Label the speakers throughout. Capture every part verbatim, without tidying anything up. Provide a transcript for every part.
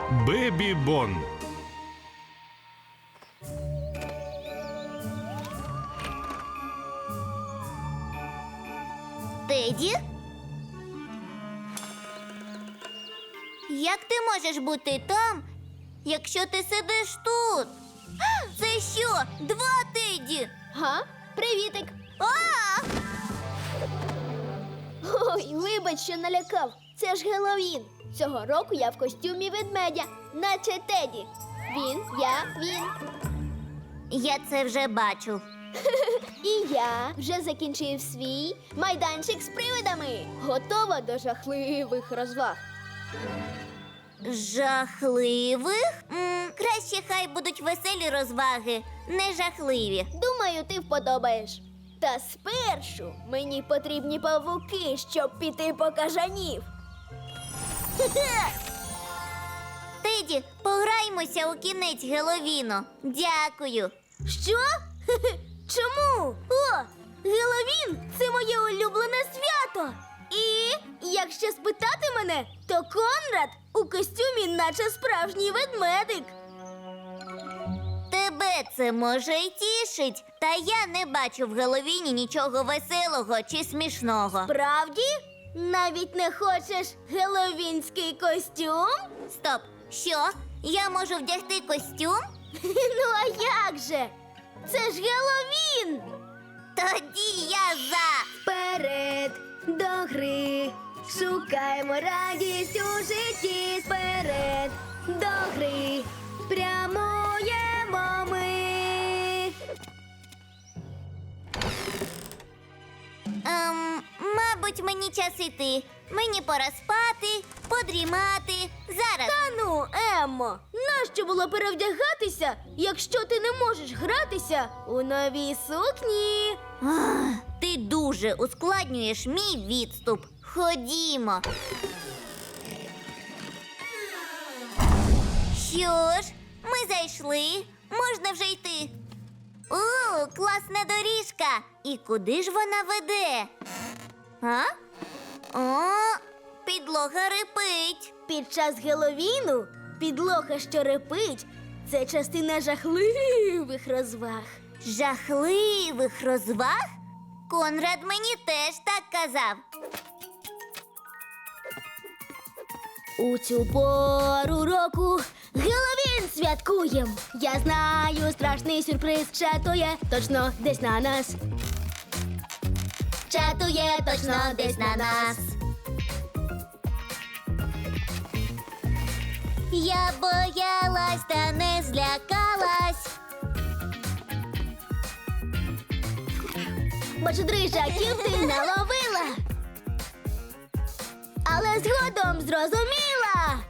Speaker 1: Бебі Бон.
Speaker 2: Теді? Як ти можеш бути там, якщо ти сидиш тут? Це що, два Теді?
Speaker 3: Га? Привітик.
Speaker 2: А!
Speaker 3: Ой, вибач, що налякав. Це ж Геловін. Цього року я в костюмі ведмедя, наче Теді. Він, я, він.
Speaker 2: Я це вже бачу.
Speaker 3: І я вже закінчив свій майданчик з привидами. Готова до жахливих розваг.
Speaker 2: Жахливих? М, краще хай будуть веселі розваги, не жахливі.
Speaker 3: Думаю, ти вподобаєш. Та спершу мені потрібні павуки, щоб піти по кажанів.
Speaker 2: Теді, пограймося у кінець Геловіну. Дякую.
Speaker 3: Що? Чому? О, Геловін – це моє улюблене свято. І якщо спитати мене, то Конрад у костюмі наче справжній ведмедик.
Speaker 2: Тебе це може й тішить, та я не бачу в Геловіні нічого веселого чи смішного.
Speaker 3: Правді? Навіть не хочеш геловінський костюм?
Speaker 2: Стоп, що? Я можу вдягти костюм?
Speaker 3: Ну а як же? Це ж Геловін!
Speaker 2: Тоді я за.
Speaker 3: Вперед до гри, шукаємо радість у житті. Вперед до гри, прямуємо ми.
Speaker 2: Ем, мабуть, мені час іти. Мені пора спати, подрімати. Зараз.
Speaker 3: Та ну, Еммо, нащо було перевдягатися, якщо ти не можеш гратися у новій сукні?
Speaker 2: Ах, ти дуже ускладнюєш мій відступ. Ходімо. Що ж, ми зайшли. Можна вже йти. О, класна доріжка. І куди ж вона веде? А? О, підлога рипить.
Speaker 3: Під час Геловіну підлога, що репить, це частина жахливих розваг.
Speaker 2: Жахливих розваг? Конрад мені теж так казав.
Speaker 3: У цю пору року Геловін святкуєм. Я знаю, страшний сюрприз чатує точно десь на нас.
Speaker 2: Чатує точно десь на нас. Я боялась та не злякалась.
Speaker 3: Бо чудрижаків ти наловила, але згодом зрозуміла,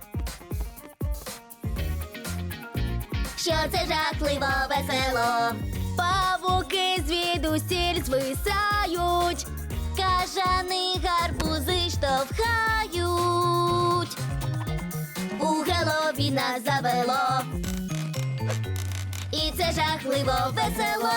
Speaker 2: Що це жахливо весело.
Speaker 3: павуки звідусіль звисають.
Speaker 2: Кажани гарбузи штовхають. У Геловіна завело. І це жахливо весело.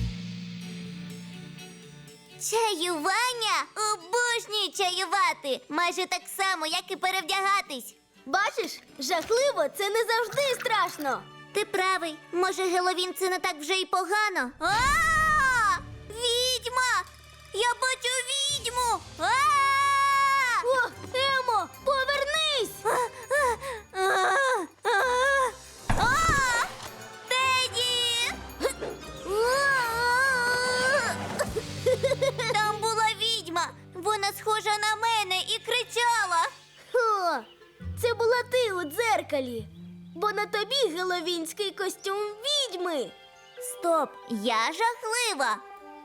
Speaker 2: Чаювання? Обожнюю чаювати. Майже так само, як і перевдягатись.
Speaker 3: Бачиш, жахливо це не завжди страшно.
Speaker 2: Ти правий. Може, Геловін це не так вже й погано. А! Відьма! Я бачу відьму! А!
Speaker 3: О, Емо, повернись!
Speaker 2: А! Теді! Там була відьма. Вона схожа на мене і кричала.
Speaker 3: О, це була ти у дзеркалі, бо на тобі геловінський костюм відьми.
Speaker 2: Стоп, я жахлива.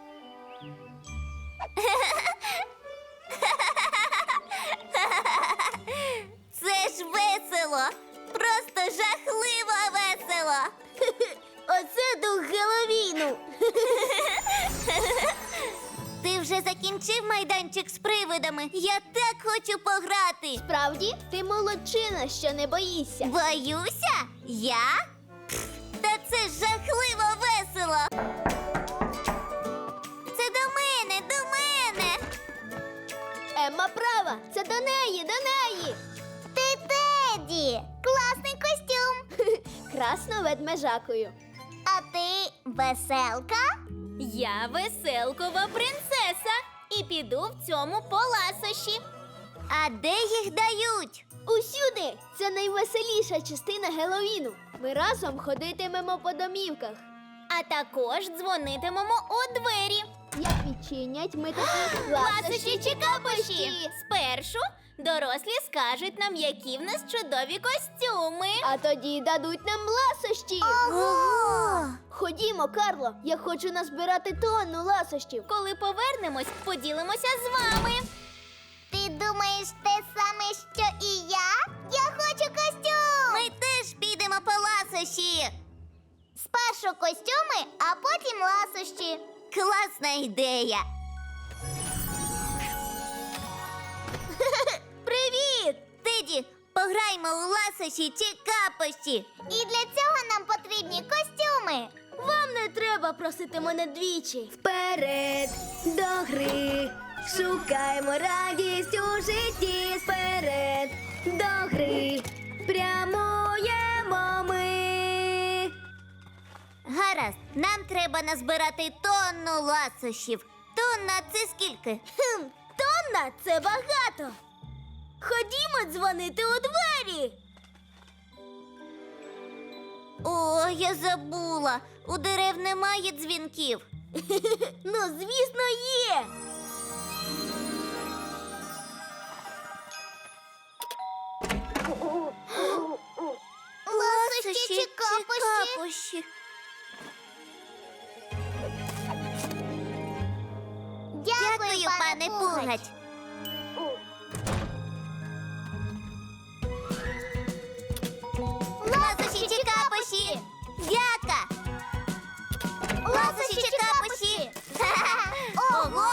Speaker 2: Це ж весело. Просто жахливо весело.
Speaker 3: Оце дух Геловіну.
Speaker 2: Ти вже закінчив майданчик з привидами. Я так хочу пограти.
Speaker 3: Справді, ти молодчина, що не боїшся.
Speaker 2: Боюся? Я? Пф, Та це ж жахливо весело. Це до мене, до мене.
Speaker 3: Емма права, це до неї, до неї.
Speaker 2: Ти Теді! Класний костюм!
Speaker 3: вчасно ведмежакою.
Speaker 2: А ти веселка?
Speaker 1: Я веселкова принцеса і піду в цьому по ласощі.
Speaker 2: А де їх дають?
Speaker 3: Усюди! Це найвеселіша частина Геловіну. Ми разом ходитимемо по домівках.
Speaker 1: А також дзвонитимемо у двері.
Speaker 3: Як відчинять, ми такі
Speaker 1: Ласощі чи капощі? Спершу дорослі скажуть нам, які в нас чудові костюми.
Speaker 3: А тоді дадуть нам ласощі.
Speaker 2: Ого!
Speaker 3: Ходімо, Карло, я хочу назбирати тонну ласощів.
Speaker 1: Коли повернемось, поділимося з вами.
Speaker 2: Ти думаєш те саме, що і я? Я хочу костюм! Ми теж підемо по ласощі. Спершу костюми, а потім ласощі. Класна ідея. Привіт! Теді, пограймо у ласощі чи капощі. І для цього нам потрібні костюми.
Speaker 3: Вам не треба просити мене двічі. Вперед до гри, шукаємо радість у житті. Вперед до гри, прямуємо ми.
Speaker 2: Гаразд, нам треба назбирати тонну ласощів. Тонна – це скільки?
Speaker 3: Хм, тонна – це багато. Ходімо дзвонити у двері.
Speaker 2: О, я забула. У дерев немає дзвінків.
Speaker 3: Ну, звісно, є.
Speaker 2: Ласощі чи капощі? Дякую, пане Пугач. Ласощі чи капощі? Дяка. Ласощі чи капощі? Ого!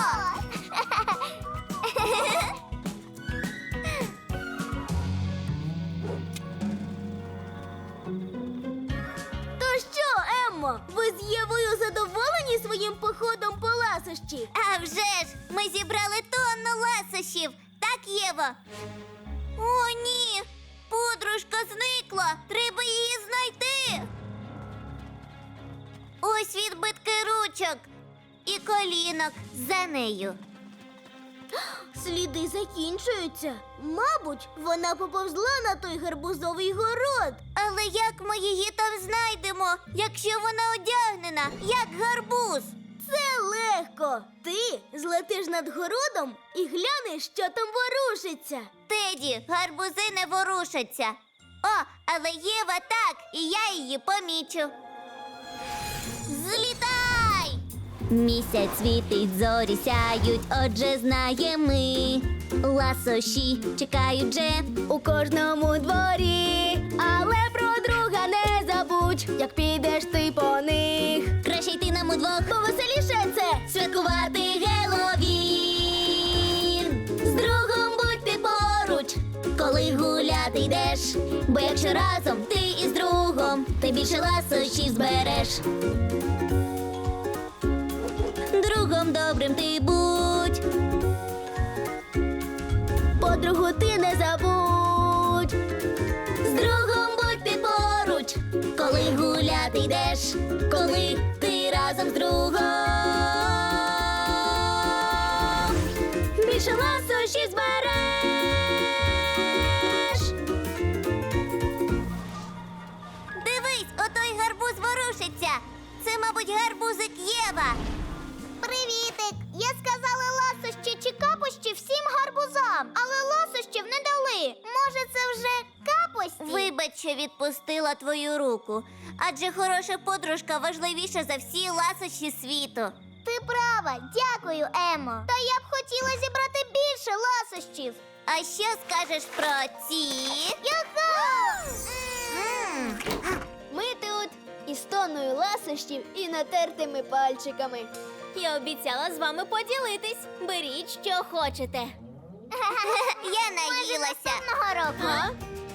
Speaker 3: То що, Еммо, ви з Євою задоволені своїм походом по ласощі?
Speaker 2: А вже ж, ми зібрали тонну ласощів. Так, Єво? О, ні! Подружка зникла! Треба її знайти! Ось відбитки ручок і колінок за нею.
Speaker 3: Сліди закінчуються. Мабуть, вона поповзла на той гарбузовий город.
Speaker 2: Але як ми її там знайдемо, якщо вона одягнена, як гарбуз?
Speaker 3: Це легко. Ти злетиш над городом і глянеш, що там ворушиться.
Speaker 2: Теді, гарбузи не ворушаться. О, але Єва так, і я її помічу. Злітай! Місяць світить, зорі сяють, отже знаємо ми. Ласощі чекають же
Speaker 3: У кожному дворі, але про друга не забудь, як підеш ти по них.
Speaker 2: краще йти нам удвох
Speaker 3: Повеселіше це.
Speaker 2: святкувати Геловін. З другом будьте поруч, коли гуляти йдеш. Бо якщо разом ти із другом, ти більше ласощів збереш. Другом добрим ти будь.
Speaker 3: Подругу ти не забудь.
Speaker 2: З другом будьте поруч, коли гуляти йдеш, коли ти разом з другом.
Speaker 3: Більше ласощів збереш.
Speaker 2: Дивись, отой гарбуз ворушиться. Це, мабуть, гарбузик Єва. Привітик! Я сказала ласощі чи капощі всім гарбузам, але ласощів не дали. Може, це вже капості? Вибач, що відпустила твою руку. Адже хороша подружка важливіша за всі ласощі світу. Ти права, дякую, Емо. Та я б хотіла зібрати більше ласощів. А що скажеш про ці? Юху! М.
Speaker 3: Ми тут із тонною ласощів і натертими пальчиками.
Speaker 1: Я обіцяла з вами поділитись. Беріть, що хочете.
Speaker 2: Я наїлася.
Speaker 1: А?